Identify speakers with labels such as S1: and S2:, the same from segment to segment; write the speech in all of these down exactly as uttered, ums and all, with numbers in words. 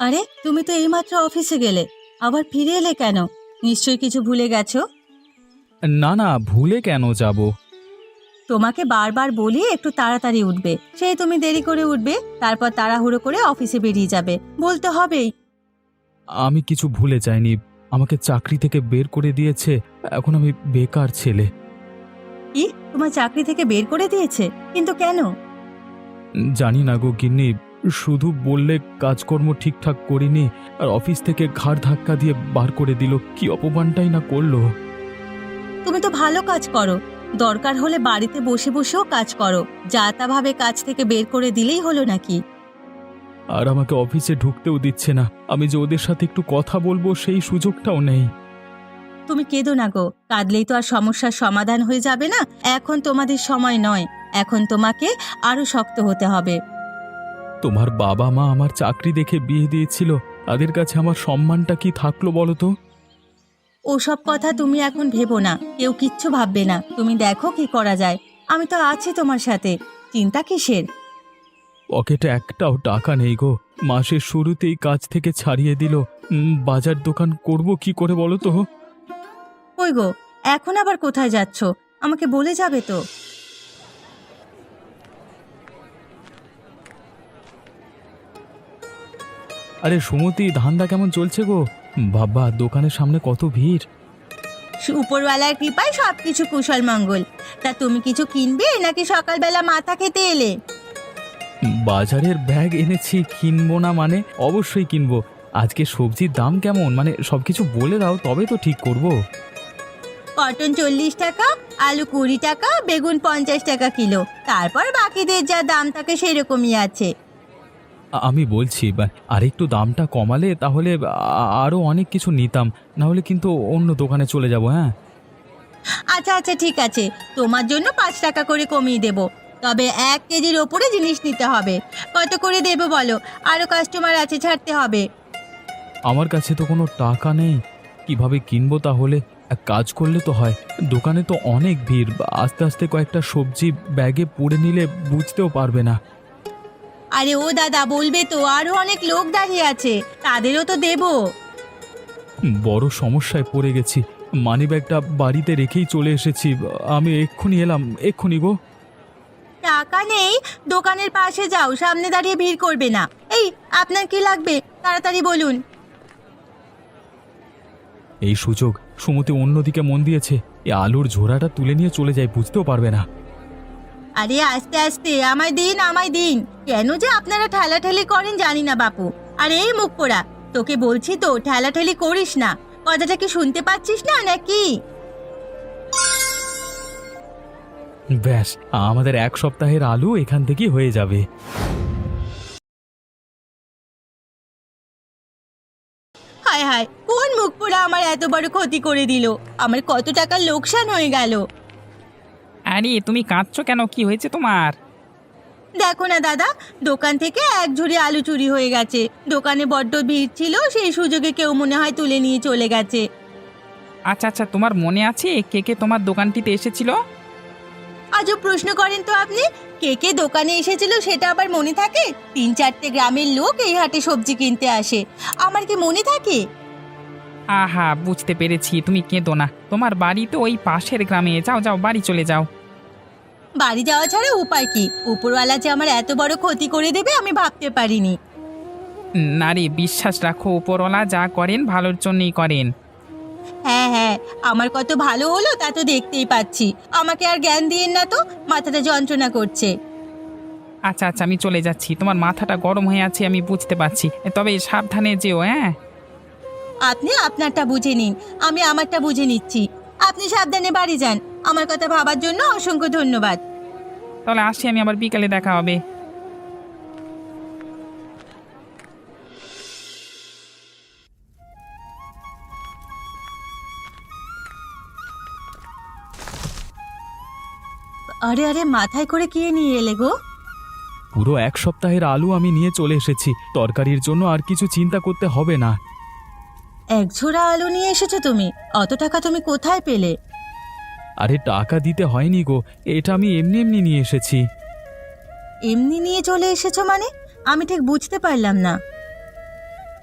S1: আরে তুমি তো এইমাত্র অফিসে গেলে, আবার ফিরে এলে কেন? নিশ্চয়ই কিছু ভুলে গেছো।
S2: না না, ভুলে কেন যাব?
S1: তোমাকে বারবার বলি একটু তাড়াতাড়ি উঠবে, সেই তুমি দেরি করে উঠবে, তারপর তাড়াহুড়ো করে অফিসে বেরিয়ে যাবে, বলতে হবেই।
S2: আমি কিছু ভুলে যাইনি। আমাকে চাকরি থেকে বের করে দিয়েছে। এখন আমি বেকার ছেলে।
S1: কি, তোমার চাকরি থেকে বের করে দিয়েছে? কিন্তু কেন?
S2: জানি না গো গিন্নি, শুধু বললে কাজকর্ম ঠিকঠাক করিনি আর অফিস থেকে ঘাড় ধাক্কা দিয়ে বার করে দিল। কি অপমানটাই না করলো।
S1: তুমি তো ভালো কাজ করো, দরকার হলে বাড়িতে বসে বসেও কাজ করো, যা তা ভাবে কাজ থেকে বের করে দিলেই হলো নাকি?
S2: আর আমাকে অফিসে ঢুকতেও দিচ্ছে না। আমি যে ওদের সাথে একটু কথা বলবো সেই সুযোগটাও নেই।
S1: তুমি কেঁদো না গো, কাঁদলেই তো আর সমস্যার সমাধান হয়ে যাবে না। এখন তোমাদের সময় নয়, এখন তোমাকে আরো শক্ত হতে হবে।
S2: তোমার বাবা মা আমার চাকরি দেখে বিয়ে দিয়েছিল, তাদের কাছে আমার সম্মানটা কি থাকলো বলো তো?
S1: ওসব কথা তুমি এখন ভেবো না, কেউ কিচ্ছু ভাববে না। তুমি দেখো কি করা যায়, আমি তো আছি তোমার সাথে, চিন্তা কিসের?
S2: পকেটে একটাও টাকা নেই গো। মাসের শুরুতেই কাজ থেকে ছাড়িয়ে দিল। উম, বাজার দোকান করব কি করে বলো তো?
S1: কই গো, এখন আবার কোথায় যাচ্ছ? আমাকে বলে যাবে তো।
S2: আরে সুমতি, ধান্দা কেমন চলছে গো? বাবা, দোকানের সামনে কত ভিড়।
S1: উপরওয়ালার কৃপায় সবকিছু কুশল মঙ্গল। তা তুমি কিছু কিনবে নাকি সকালবেলা মাথা খেতে এলে?
S2: বাজারের ব্যাগ এনেছি, কিনবো না মানে? অবশ্যই কিনবো। আজকে সবজির দাম কেমন, মানে সবকিছু বলে দাও তবে তো ঠিক করব।
S1: কটন চল্লিশ টাকা, আলু কুড়ি টাকা, বেগুন পঞ্চাশ টাকা কিলো, তারপর বাকিদের যা দাম থাকে সেরকমই আছে।
S2: আ- আমি বলছি বা- আরেকটু দামটা কমালে তাহলে আ- আরো অনেক কিছু নিতাম। না হলে কিন্তু অন্য দোকানে চলে যাব। হ্যাঁ,
S1: আচ্ছা আচ্ছা ঠিক আছে, তোমার জন্য পাঁচ টাকা করে কমিয়ে দেব, তবে এক কেজির ওপরে জিনিস নিতে হবে। কত করে দেবো বলো, আরো কাস্টমার আছে, ছাড়তে হবে।
S2: আমার কাছে তো কোনো টাকা নেই। কিভাবে কিনবো তাহলে? এক কাজ করলে তো হয়, দোকানে তো অনেক ভিড়, আস্তে আস্তে কয়েকটা সবজি ব্যাগে পুড়ে নিলে বুঝতেও পারবে না।
S1: আরে ও দাদা, বলবে তো, আরো অনেক লোক দাঁড়িয়ে আছে, তাদেরও তো দেবো।
S2: বড় সমস্যায় পড়ে গেছি। মানিব্যাগটা বাড়িতে রেখেই চলে এসেছি। আমি এক্ষুনি এলাম, এক্ষুনি গো।
S1: টাকা নেই? দোকানের পাশে যাও, সামনে দাঁড়িয়ে ভিড় করবে না। এই, আপনার কি লাগবে তাড়াতাড়ি বলুন।
S2: এই সুযোগ, সুমতি অন্যদিকে মন দিয়েছে। এ আলুর ঝোড়াটা তুলে নিয়ে চলে যায়, বুঝতেও পারবে না।
S1: আরে আস্তে আস্তে, আমায় দিন আমায় দিন, কেন যে আপনারা ঠেলাঠেলি করেন জানি না বাপু। আরে এই মুখ পোড়া, তোকে বলছি তো ঠেলাঠেলি করিস না, কথাটা কি শুনতে পাচ্ছিস না নাকি?
S2: ব্যাস, আমাদের এক সপ্তাহের আলু এখান থেকেই হয়ে যাবে।
S1: হায় হায়, কোন মুখ পোড়া আমার এত বড় ক্ষতি করে দিল, আমার কত টাকার লোকসান হয়ে গেল।
S3: আরে তুমি কাঁদছো কেন? কি হয়েছে তোমার?
S1: দেখো না দাদা, দোকান থেকে এক ঝুড়ি আলু চুরি হয়ে গেছে। দোকানে বড্ড ভিড় ছিল, সেই সুযোগে কেউ মনে হয় তুলে নিয়ে চলে গেছে।
S3: আচ্ছা আচ্ছা, তোমার মনে আছে কে কে তোমার দোকানটিতে এসেছিল?
S1: আজও প্রশ্ন করেন তো আপনি, কে কে দোকানে এসেছিল সেটা আবার মনে থাকে? তিন চারটে গ্রামের লোক এই হাটে সবজি কিনতে আসে, আমার কি মনে থাকে?
S3: আহা, বুঝতে পেরেছি, তুমি কেঁদো না। তোমার বাড়ি তো ওই পাশের গ্রামে, যাও যাও, বাড়ি চলে যাও।
S1: বাড়ি যাওয়া ছাড়া উপায় কি? উপরওয়ালা যে আমার এত বড় ক্ষতি করে দেবে আমি ভাবতে পারিনি।
S3: নারী, বিশ্বাস রাখো, উপরওয়ালা যা করেন ভালোর জন্যই করেন।
S1: হ্যাঁ হ্যাঁ, আমার কত ভালো হলো তা তো দেখতেই পাচ্ছি। আমাকে আর জ্ঞান দিয়েন না তো, মাথাটা যন্ত্রণা করছে।
S3: আচ্ছা আচ্ছা, আমি চলে যাচ্ছি। তোমার মাথাটা গরম হয়ে আছে আমি বুঝতে পারছি, তবে সাবধানে যেও। হ্যাঁ,
S1: আপনি আপনারটা বুঝে নিন, আমি আমারটা বুঝে নিচ্ছি। আপনি সাবধানে বাড়ি যান, আমার কথা ভাবার জন্য অসংখ্য ধন্যবাদ।
S3: তাহলে আসি আমি, আবার বিকালে দেখা হবে।
S1: আরে আরে, মাথায় করে কে নিয়ে এলে গো?
S2: পুরো এক সপ্তাহের আলু আমি নিয়ে চলে এসেছি। তরকারির জন্য আর কিছু চিন্তা করতে হবে না।
S1: এক ঝোড়া আলু নিয়ে এসেছো তুমি? অত টাকা তুমি কোথায় পেলে?
S2: আরে টাকা দিতে হয়নি গো, এটা আমি এমনি এমনি নিয়ে এসেছি।
S1: এমনি নিয়ে চলে এসেছো মানে? আমি ঠিক বুঝতে পারলাম না।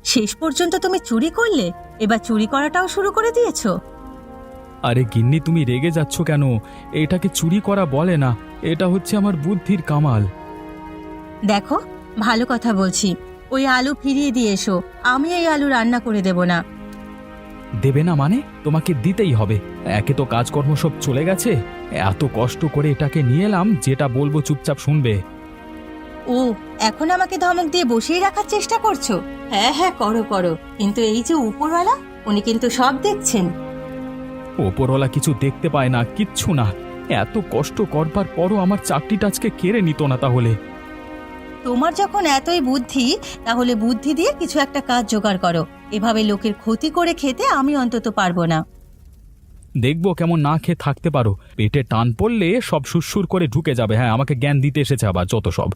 S1: শেষ পর্যন্ত তুমি চুরি করলে, এবার চুরি করাটাও শুরু করে দিয়েছো।
S2: আরে গিন্নি, তুমি রেগে যাচ্ছ কেন? এটাকে চুরি করা বলে না, এটা হচ্ছে আমার বুদ্ধির কামাল।
S1: দেখো, ভালো কথা বলছি, ওই আলু ফিরিয়ে দিয়ে এসো, আমি এই আলু রান্না করে দেব না।
S2: দেবে না মানে? তোমাকে দিতেই হবে। একে তো কাজকর্ম সব চলে গেছে, এত কষ্ট করে এটাকে নিয়ে এলাম, যেটা বলবো চুপচাপ শুনবে।
S1: ও, এখন আমাকে ধমক দিয়ে বসিয়ে রাখার চেষ্টা করছো? হ্যাঁ হ্যাঁ, করো করো, কিন্তু এই যে উপরওয়ালা, উনি কিন্তু সব দেখছেন।
S2: ওপরওয়ালা কিছু দেখতে পায় না, কিচ্ছু না। এত কষ্ট করবার পরও আমার চাকরিটা আজকে কেড়ে নিত না তাহলে?
S1: তোমার যখন এতই বুদ্ধি, তাহলে বুদ্ধি দিয়ে কিছু একটা কাজ জোগাড় করো। এভাবে লোকের ক্ষতি করে খেতে আমি অন্তত পারবো না।
S2: দেখবো কেমন না খেয়ে থাকতে পারো। পেটে টান পড়লে সব সুরসুর করে ঢুকে যাবে। হ্যাঁ, আমাকে জ্ঞান দিতে এসেছে আবার যত সব।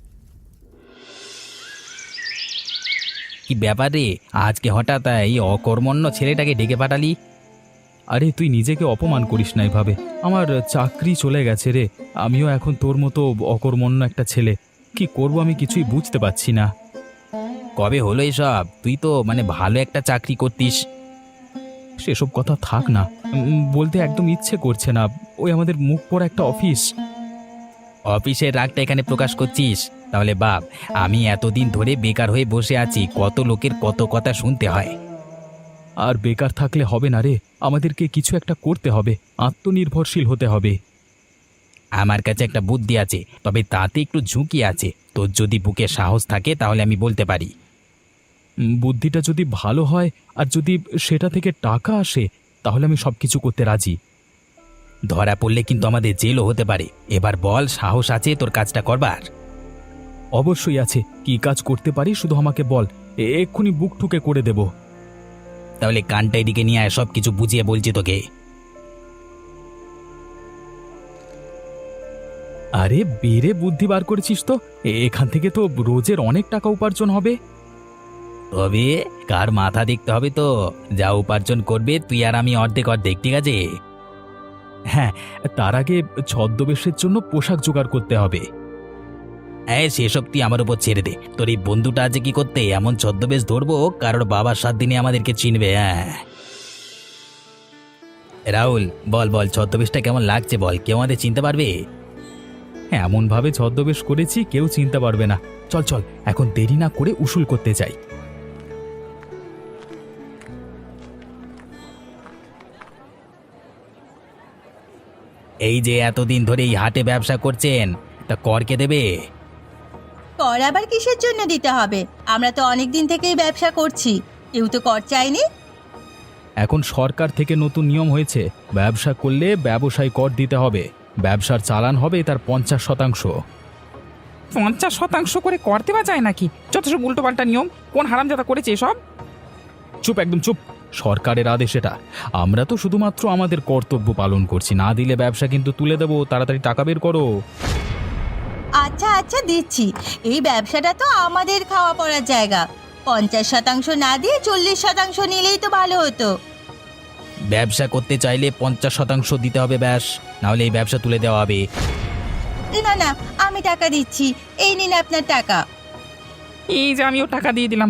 S4: কি ব্যাপার রে, আজকে হঠাৎ এই অকর্মণ্য ছেলেটাকে ডেকে পাঠালি?
S2: আরে তুই নিজেকে অপমান করিস না এভাবে। আমার চাকরি চলে গেছে রে। আমিও এখন তোর মতো অকর্মণ্য একটা ছেলে। কি করব আমি কিছুই বুঝতে পারছি না।
S4: কবে হলো এসব? তুই তো মানে ভালো একটা চাকরি করতিস।
S2: সেসব কথা থাক না, উম, বলতে একদম ইচ্ছে করছে না। ওই আমাদের মুখ পড়া একটা অফিস।
S4: অফিসের রাগটা এখানে প্রকাশ করছিস? তাহলে বাপ, আমি এতদিন ধরে বেকার হয়ে বসে আছি, কত লোকের কত কথা শুনতে হয়।
S2: আর বেকার থাকলে হবে না রে, আমাদেরকে কিছু একটা করতে হবে, আত্মনির্ভরশীল হতে হবে।
S4: আমার কাছে একটা বুদ্ধি আছে, তবে তাতে একটু ঝুঁকি আছে। তোর যদি বুকে সাহস থাকে তাহলে আমি বলতে পারি।
S2: উম, বুদ্ধিটা যদি ভালো হয় আর যদি সেটা থেকে টাকা আসে, তাহলে আমি সব কিছু করতে রাজি।
S4: ধরা পড়লে কিন্তু আমাদের জেলও হতে পারে। এবার বল, সাহস আছে তোর কাজটা করবার?
S2: অবশ্যই আছে। কি কাজ করতে পারি শুধু আমাকে বল, এ- এক্ষুনি বুক ঠুকে করে দেব।
S4: তাহলে কানটা এদিকে নিয়ে আয়, সব কিছু বুঝিয়ে বলছি তোকে।
S2: আরে বেড়ে বুদ্ধি বার করেছিস তো। এ- এখান থেকে তো রোজের অনেক টাকা উপার্জন হবে।
S4: তবে কার মাথা দেখতে হবে তো। যা উপার্জন করবে তুই আর আমি অর্ধেক অর্ধেক, ঠিক আছে?
S2: হ্যাঁ, তার আগে ছদ্মবেশের জন্য পোশাক জোগাড় করতে হবে।
S4: হ্যাঁ, সেসব তুই আমার উপর ছেড়ে দে। তোর এই বন্ধুটা আছে কি করতে এমন ছদ্মবেশ ধরবো, কারোর বাবার সাত দিনে আমাদেরকে চিনবে। হ্যাঁ রাহুল, বল বল, ছদ্মবেশটা কেমন লাগছে বল, কেউ আমাদের চিনতে পারবে?
S2: এমন ভাবে ছদ্মবেশ করেছি কেউ চিনতে পারবে না। চল চল, এখন দেরি না করে উসুল করতে যাই।
S4: এই যে এতদিন ধরে এই হাটে ব্যবসা করছেন, তা কর কে দেবে?
S1: কর আবার কিসের জন্য দিতে হবে? আমরা তো অনেক দিন থেকেই ব্যবসা করছি, কেউ তো কর চাইনি।
S2: এখন সরকার থেকে নতুন নিয়ম হয়েছে, ব্যবসা করলে ব্যবসায় কর দিতে হবে। ব্যবসার চালান হবে তার পঞ্চাশ শতাংশ।
S3: পঞ্চাশ শতাংশ করে কর দেওয়া যায় নাকি? যত সব উল্টো পাল্টা নিয়ম, কোন হারামজাদা করেছে এসব?
S2: চুপ, একদম চুপ। সরকারের আদেশ এটা। আমরা তো শুধুমাত্র আমাদের কর্তব্য পালন করছি। না দিলে ব্যবসা কিন্তু তুলে দেবো। তাড়াতাড়ি টাকা বের করো।
S1: আচ্ছা আচ্ছা, দিচ্ছি। এই ব্যবসাটা তো আমাদের খাওয়া পড়ার জায়গা, পঞ্চাশ শতাংশ না দিয়ে চল্লিশ শতাংশ নিলেই তো ভালো হতো।
S4: ব্যবসা করতে চাইলে পঞ্চাশ শতাংশ দিতে হবে ব্যাস, নাহলে এই ব্যবসা তুলে দেওয়া হবে।
S1: না না, আমি টাকা দিচ্ছি, এই নিন আপনার টাকা।
S3: এই যে আমিও টাকা দিয়ে দিলাম,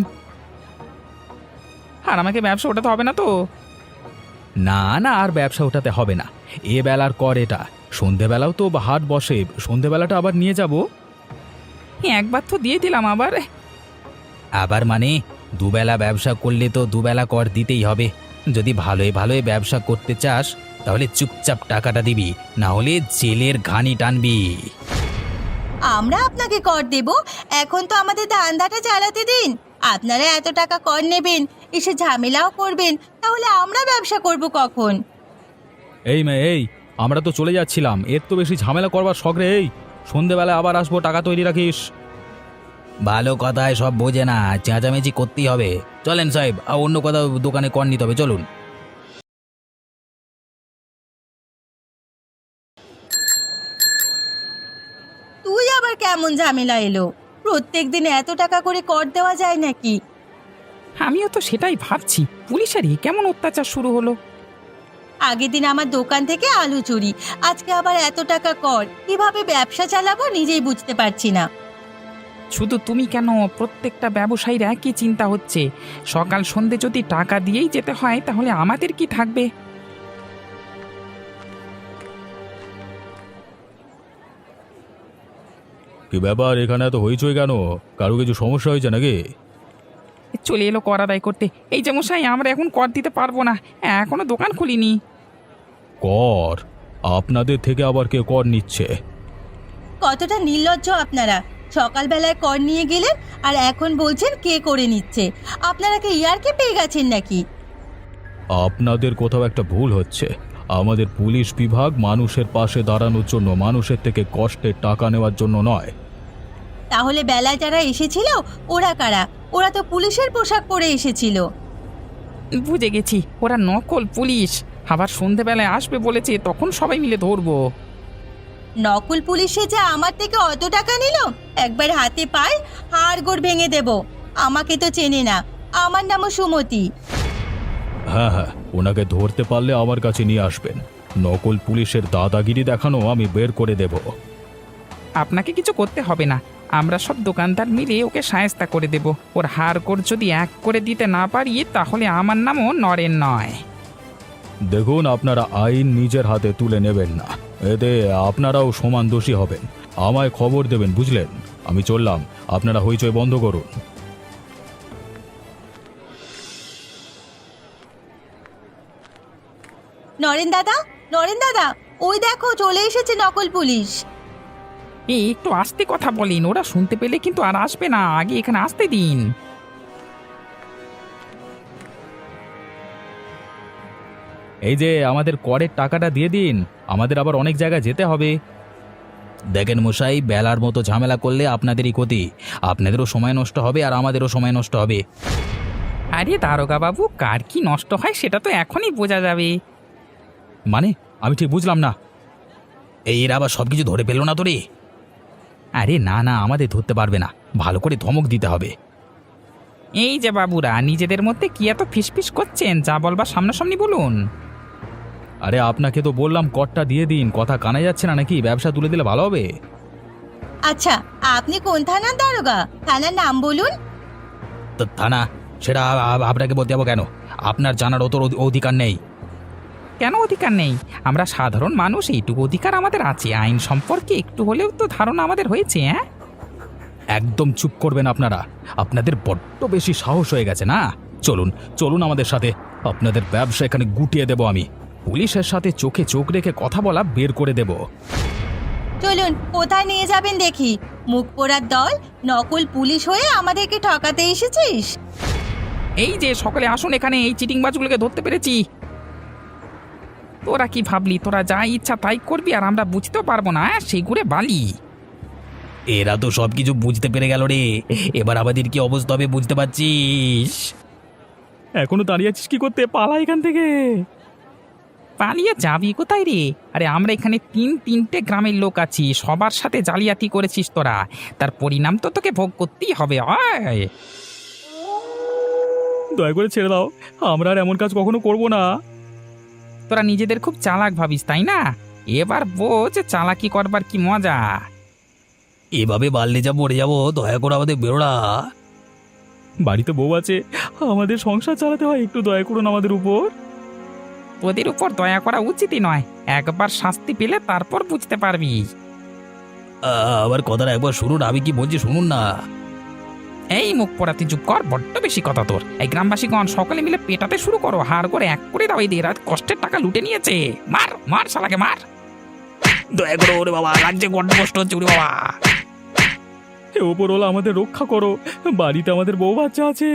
S3: আর আমাকে ব্যবসা ওঠাতে হবে না তো?
S2: না না, আর ব্যবসা ওঠাতে হবে না। এ বেলার কর এটা। সন্ধেবেলাও তো হাট বসে, সন্ধেবেলাটা আবার নিয়ে যাব।
S3: একবার তো দিয়ে দিলাম, আবার?
S4: আবার মানে দুবেলা ব্যবসা করলে তো দুবেলা কর দিতেই হবে। যদি ভালোই ভালোই ব্যবসা করতে চাস তাহলে চুপচাপ টাকাটা দিবি, না হলে জেলের ঘানি টানবি।
S1: আমরা আপনাকে কর দেব? এখন তো আমাদের ধান্দাটা চালাতে দিন। আপনারা এত টাকা কর নেবেন, এসে ঝামেলাও করবেন, তাহলে আমরা ব্যবসা করব কখন?
S2: এই মেয়ে, এই আমরা তো চলে যাচ্ছিলাম, এর তো বেশি ঝামেলা করবার শখ রে। এই সন্ধেবেলায় আবার আসবো, টাকা তৈরি রাখিস।
S4: ভালো কথায় সব বোঝে না, চেঁচামেচি করতেই হবে। চলেন সাহেব, আর অন্য কোথাও দোকানে কর নিতে হবে, চলুন।
S1: তুই আবার কেমন ঝামেলা এলো? প্রত্যেক দিন এত টাকা করে কর দেওয়া যায় নাকি?
S3: আমিও তো সেটাই ভাবছি, পুলিশেরই কেমন অত্যাচার শুরু হলো।
S1: আগের দিন আমার দোকান থেকে আলু চুরি, আজকে আবার এত টাকা কর। কিভাবে ব্যবসা চালাবো নিজেই বুঝতে পারছি না।
S3: শুধু তুমি কেন, প্রত্যেকটা ব্যবসায়ীর একই চিন্তা হচ্ছে। সকাল সন্ধে যদি টাকা দিয়েই যেতে হয় তাহলে আমাদের কি থাকবে?
S2: কি ব্যাপার, এখানে এত হইচই কেন? কারো কিছু সমস্যা হয়েছে নাকি?
S3: চলে এলো কর আদায় করতে। এই যে মশাই, আমরা এখন কর দিতে পারবো না, এখনো দোকান খুলিনি।
S2: কর? আপনাদের থেকে আবার কে কর নিচ্ছে?
S1: কতটা নির্লজ্জ আপনারা! সকালবেলায় কর নিয়ে গেলেন আর এখন বলছেন কে করে নিচ্ছে। আপনারা কি ইয়ারকে পেয়ে গেছেন নাকি?
S2: আপনাদের কোথাও একটা ভুল হচ্ছে। আমাদের পুলিশ বিভাগ মানুষের পাশে দাঁড়ানোর জন্য, মানুষের থেকে কষ্টের টাকা নেওয়ার জন্য নয়।
S1: তাহলে বেলায় যারা এসেছিল ওরা কারা? ওরা তো পুলিশের পোশাক পরে এসেছিল।
S3: বুঝে গেছি, ওরা নকল পুলিশ। আবার সন্ধেবেলায় আসবে বলেছে, তখন সবাই মিলে ধরবো।
S1: নকল পুলিশে যে আমার থেকে অত টাকা নিল, একবার হাতে পায় হাড়গোড় ভেঙে দেব। আমাকে তো চেনে না, আমার নামও সুমতি।
S2: হ্যাঁ হ্যাঁ, ওনাকে ধরতে পারলে আমার কাছে নিয়ে আসবেন। নকল পুলিশের দাদাগিরি দেখানো আমি বের করে দেব।
S3: আপনাকে কিছু করতে হবে না, আমরা সব দোকানদার মিলে ওকে সায়স্তা করে দেব। ওর হার কর যদি এক করে দিতে না পারি তাহলে আমার নামও নরেন নয়।
S2: দেখুন, আপনারা আইন নিজের হাতে তুলে নেবেন না, এতে আপনারাও সমান দোষী হবেন। আমায় খবর দেবেন, বুঝলেন? আমি চললাম, আপনারা হইচই বন্ধ করুন।
S1: নরেন দাদা, নরেন দাদা, ওই দেখো চলে এসেছে নকল পুলিশ।
S3: এই একটু আস্তে কথা বলেন, ওরা শুনতে পেলে কিন্তু আর আসবে না, আগে এখানে আসতে দিন।
S2: এই যে আমাদের করের টাকাটা দিয়ে দিন, আমাদের আবার অনেক জায়গায় যেতে হবে।
S4: দেখেন মশাই, বেলার মতো ঝামেলা করলে আপনাদেরই ক্ষতি। আপনাদেরও সময় নষ্ট হবে আর আমাদেরও সময় নষ্ট হবে।
S3: আরে দারোগা বাবু, কার কি নষ্ট হয় সেটা তো এখনই বোঝা যাবে।
S2: মানে, আমি ঠিক বুঝলাম না।
S4: এই এরা আবার সব কিছু ধরে পেল না তো রে?
S2: আরে না না, আমাদের ধরতে পারবে না, ভালো করে ধমক দিতে হবে।
S3: এই যে বাবুরা, নিজেদের মধ্যে কি এত ফিসফিস করছেন? যা বলবার সামনাসামনি বলুন।
S2: আরে আপনাকে তো বললাম করটা দিয়ে দিন, কথা কানে যাচ্ছে না নাকি? ব্যবসা তুলে দিলে ভালো হবে।
S1: আচ্ছা, আপনি কোন থানার দারোগা? থানার নাম বলুন।
S4: তো থানা, সেটা আ- আ- আপনাকে বলতে যাবো কেন? আপনার জানার অত অধি- অধিকার নেই।
S3: কেন অধিকার নেই? আমরা সাধারণ মানুষ, এইটুকু অধিকার আমাদের আছে। আইন সম্পর্কে একটু হলেও তো ধারণা আমাদের হয়েছে। হ্যাঁ,
S2: একদম চুপ করবেন আপনারা, আপনাদের বড্ড বেশি সাহস হয়ে গেছে না? চলুন চলুন আমাদের সাথে, আপনাদের ব্যবসা এখানে গুটিয়ে দেব আমি। পুলিশের সাথে চোখে চোখ রেখে কথা বলা বের করে দেব।
S1: চলুন, কোথায় নিয়ে যাবেন দেখি? মুখ পোড়ার দল, নকল পুলিশ হয়ে আমাদেরকে ঠকাতে এসেছিস?
S3: এই যে সকলে আসুন এখানে, এই চিটিংবাজগুলোকে ধরতে পেরেছি। তোরা কি ভাবলি তোরা যা ইচ্ছা তাই করবি আর আমরা বুঝতেও পারবো না? হ্যাঁ, সেই ঘুরে বালি।
S4: এরা তো সব কিছু বুঝতে পেরে গেল রে, এবার আমাদের কি অবস্থা হবে বুঝতে পারছিস?
S2: এখনো দাঁড়িয়ে আছিস কি করতে? পালা এখান থেকে।
S3: পালিয়ে যাবি কোথায় রে? আরে আমরা এখানে তিন তিনটে গ্রামের লোক আছি, সবার সাথে জালিয়াতি করেছিস তোরা, তার পরিণাম তো তোকে ভোগ করতেই হবে। আয়,
S2: দয়া করে ছেড়ে দাও, আমরা আর এমন কাজ কখনো করব না।
S3: তোরা নিজেদের খুব চালাক ভাবিস তাই না? এবার বোঝ চালাকি করবার কি মজা।
S4: এভাবে বাড়লে যা মরে যাবো, দয়া করে আমাদের বেরোড়া।
S2: বাড়িতে বউ আছে, আমাদের সংসার চালাতে হয়, একটু দয়া করুন আমাদের উপর।
S3: তোদের উপর দয়া করা উচিতই নয়, একবার শাস্তি পেলে তারপর বুঝতে পারবি।
S4: আবার কথাটা একবার শুনুন, আমি কি বলছি শুনুন না।
S3: এই মুখ পড়াতে চুপ কর, বড্ড বেশি কথা তোর। এই গ্রামবাসীগণ সকলে মিলে পেটাতে শুরু করো, হাড় করে এক করে দাও। এদের রাত কষ্টের টাকা লুটে নিয়েছে। মার মার শালাকে মার।
S4: দয়া করো ওরে বাবা, লাগছে বড্ড কষ্ট হচ্ছে ওরে বাবা।
S2: হে ওপরওয়ালা, আমাদের রক্ষা করো, বাড়িতে আমাদের বউ বাচ্চা আছে।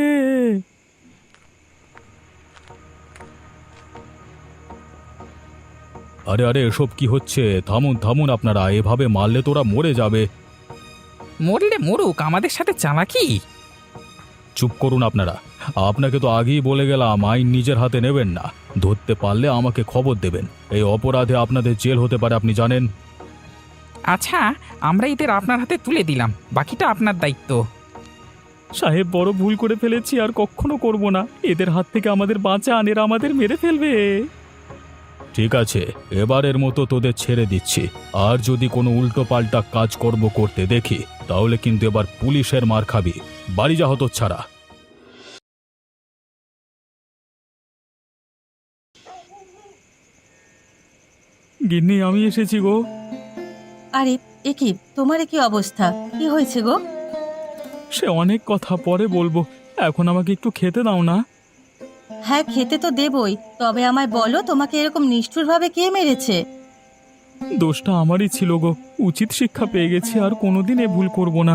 S2: আরে আরে, এসব কি হচ্ছে? থামুন থামুন আপনারা, এভাবে মারলে তোরা মরে যাবে।
S3: মরলে মরুক, আমাদের সাথে চালাকি।
S2: চুপ করুন আপনারা, আপনাকে তো আগেই বলে গেলাম আইন নিজের হাতে নেবেন না, ধরতে পারলে আমাকে খবর দেবেন। এই অপরাধে আপনাদের জেল হতে পারে, আপনি জানেন।
S3: আচ্ছা, আমরা এদের আপনার হাতে তুলে দিলাম, বাকিটা আপনার দায়িত্ব।
S2: সাহেব, বড় ভুল করে ফেলেছি, আর কখনো করব না। এদের হাত থেকে আমাদের বাঁচান, এরা আমাদের মেরে ফেলবে। ঠিক আছে, এবারের মতো তোদের ছেড়ে দিচ্ছি। আর যদি কোনো উল্টো পাল্টা কাজকর্ম করতে দেখি তাহলে কিন্তু এবার পুলিশের মার খাবি। বাড়ি যা হতচ্ছাড়া। গিন্নি, আমি এসেছি গো।
S1: আরে এ কি, তোমার এ কি অবস্থা? কি হয়েছে গো?
S2: সে অনেক কথা পরে বলবো, এখন আমাকে একটু খেতে দাও না।
S1: হ্যাঁ, খেতে তো দেবই, তবে আমায় বলো তোমাকে এরকম নিষ্ঠুরভাবে কে মেরেছে?
S2: দোষটা আমারই ছিল গো, উচিত শিক্ষা পেয়ে গেছি, আর কোনোদিন এ ভুল করব না।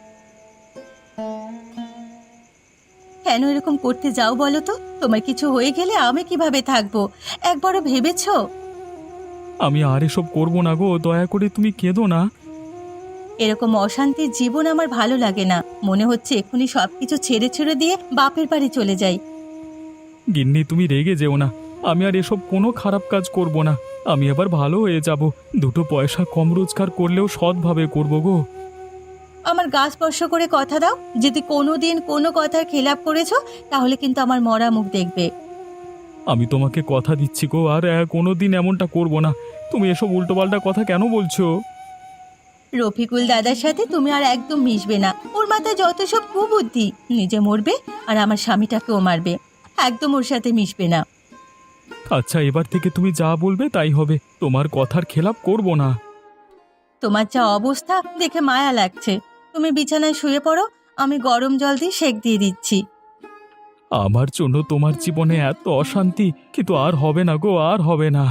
S1: কেন এরকম করতে যাও বলো তো? তোমার কিছু হয়ে গেলে আমি কিভাবে থাকবো, একবারও ভেবেছো?
S2: আমি আর এসব করব না গো, দয়া করে তুমি কেঁদো না।
S1: এরকম অশান্তির জীবন আমার ভালো লাগে না। মনে হচ্ছে এক্ষুনি সবকিছু ছেড়ে ছেড়ে দিয়ে বাপের বাড়ি চলে যাই।
S2: গিন্নি, তুমি রেগে যেও না, আমি আর এসব কোনো খারাপ কাজ করব না। আমি এবার ভালো হয়ে যাব, দুটো পয়সা কম রোজগার করলেও সৎভাবে করব গো।
S1: আমার গা স্পর্শ করে কথা দাও, যদি কোনোদিন কোনো কথার খেলাপ করেছো তাহলে কিন্তু আমার মরা মুখ দেখবে।
S2: আমি তোমাকে কথা দিচ্ছি গো, আর কোনো দিন এমনটা করব না। তুমি এসব উল্টোপাল্টা কথা কেন বলছো?
S1: রফিকুল দাদার সাথে তুমি আর একদম মিশবে না। ওর মাথায় যত সব কুবুদ্ধি, নিজে মরবে আর আমার স্বামীটাকেও মারবে। একদম ওর সাথে মিশবে না।
S2: আচ্ছা, এবার থেকে তুমি যা বলবে তাই হবে, তোমার কথার খেলাপ করব না।
S1: তোমার যা অবস্থা দেখে মায়া লাগছে। তুমি বিছানায় শুয়ে পড়ো, আমি গরম জল দিয়ে সেঁক দিয়ে দিচ্ছি।
S2: আমার জন্য তোমার জীবনে এত অশান্তি, কিন্তু আর হবে না গো, আর হবে না।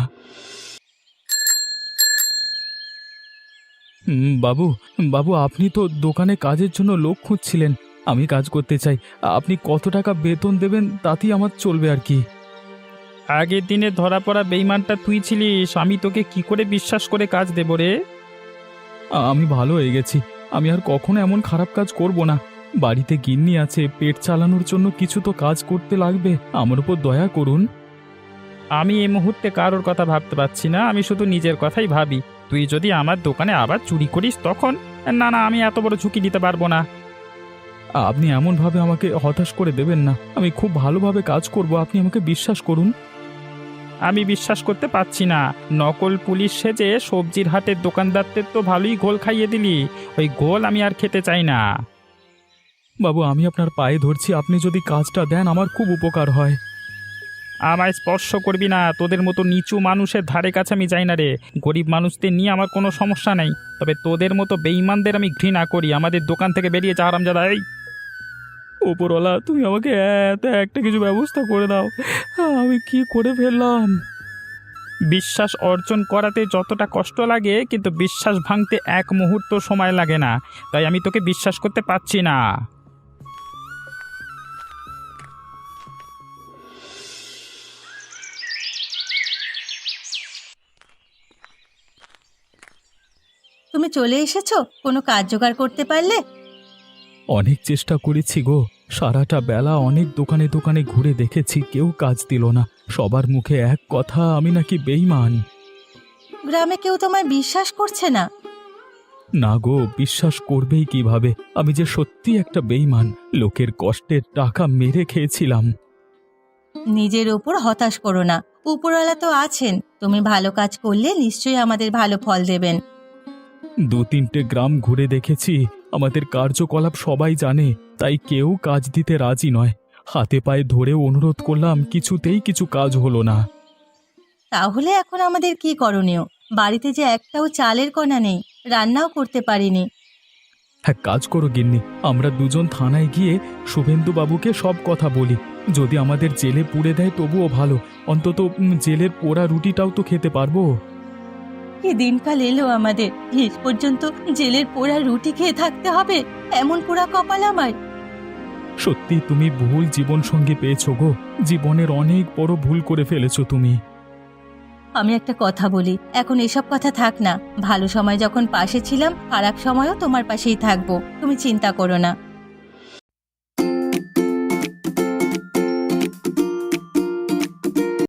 S2: হুম, বাবু বাবু আপনি তো দোকানে কাজের জন্য লোক খুঁজছিলেন। আমি কাজ করতে চাই, আপনি কত টাকা বেতন দেবেন তাতেই আমার চলবে আর কি।
S3: আগের দিনে ধরা পড়া বেইমানটা তুই ছিলিস, আমি তোকে কি করে বিশ্বাস করে কাজ দেব রে?
S2: আমি ভালো হয়ে গেছি, আমি আর কখনো এমন খারাপ কাজ করব না। বাড়িতে গিন্নি আছে, পেট চালানোর জন্য কিছু তো কাজ করতে লাগবে, আমার উপর দয়া করুন।
S3: আমি এই মুহূর্তে কারোর কথা ভাবতে পারছি না, আমি শুধু নিজের কথাই ভাবি। তুই যদি আমার দোকানে আবার চুরি করিস তখন? না না, আমি এত বড় ঝুঁকি নিতে পারবো না।
S2: আপনি এমনভাবে আমাকে হতাশ করে দেবেন না, আমি খুব ভালোভাবে কাজ করব, আপনি আমাকে বিশ্বাস করুন।
S3: আমি বিশ্বাস করতে পারছি না। নকল পুলিশ সেজে সবজির হাটের দোকানদারদের তো ভালোই ঘোল খাইয়ে দিলি। ওই ঘোল আমি আর খেতে চাই না।
S2: বাবু, আমি আপনার পায়ে ধরছি, আপনি যদি কাজটা দেন আমার খুব উপকার হয়।
S3: আমায় স্পর্শ করবি না, তোদের মতো নিচু মানুষের ধারে কাছে আমি যাই না রে। গরিব মানুষদের নিয়ে আমার কোনো সমস্যা নেই, তবে তোদের মতো বেঈমানদের আমি ঘৃণা করি। আমাদের দোকান থেকে বেরিয়ে যা হারামজাদা। এই
S2: ওপরওয়ালা, তুমি আমাকে এত একটা কিছু ব্যবস্থা করে দাও, আমি কি করে ফেললাম।
S3: বিশ্বাস অর্জন করাতে যতটা কষ্ট লাগে, কিন্তু বিশ্বাস ভাঙতে এক মুহূর্ত সময় লাগে না। তাই আমি তোকে বিশ্বাস করতে পারছি না।
S1: তুমি চলে এসেছো, কোনো কাজ জোগাড় করতে পারলে?
S2: অনেক চেষ্টা করেছি গো, সারাটা বেলা অনেক দোকানে দোকানে ঘুরে দেখেছি, কেউ কাজ দিল না। সবার মুখে এক কথা, আমি নাকি বেঈমান।
S1: গ্রামে কেউ তোমায় বিশ্বাস করছে না?
S2: না গো, বিশ্বাস করবেই কিভাবে? আমি যে সত্যি একটা বেঈমান, লোকের কষ্টের টাকা মেরে খেয়েছিলাম।
S1: নিজের ওপর হতাশ করো না, উপরওয়ালা তো আছেন। তুমি ভালো কাজ করলে নিশ্চয়ই আমাদের ভালো ফল দেবেন।
S2: দু তিনটে গ্রাম ঘুরে দেখেছি, আমাদের কার্যকলাপ সবাই জানে, তাই কেউ কাজ দিতে রাজি নয়। হাতে পায়ে ধরে অনুরোধ করলাম, কিছুতেই কিছু কাজ হলো না।
S1: তাহলে এখন আমাদের কি করণীয়? বাড়িতে যে একটাও চালের কণা নেই, রান্নাও করতে পারিনি।
S2: হ্যাঁ, কাজ করো গিন্নি, আমরা দুজন থানায় গিয়ে শুভেন্দু বাবুকে সব কথা বলি। যদি আমাদের জেলে পুড়ে দেয় তবুও ভালো, অন্তত উম, জেলের পোড়া রুটিটাও তো খেতে পারবো।
S1: কি দিনকাল এলো আমাদের, শেষ পর্যন্ত জেলের পোড়া রুটি খেয়ে থাকতে হবে? এমন পোড়া কপাল আমার।
S2: সত্যি তুমি ভুল জীবন সঙ্গী পেয়েছো গো, জীবনের অনেক বড় ভুল করে ফেলেছো তুমি।
S1: আমি একটা কথা বলি, এখন এসব কথা থাক না। ভালো সময় যখন পাশে ছিলাম, খারাপ সময়ও তোমার পাশেই থাকবো, তুমি চিন্তা করো না।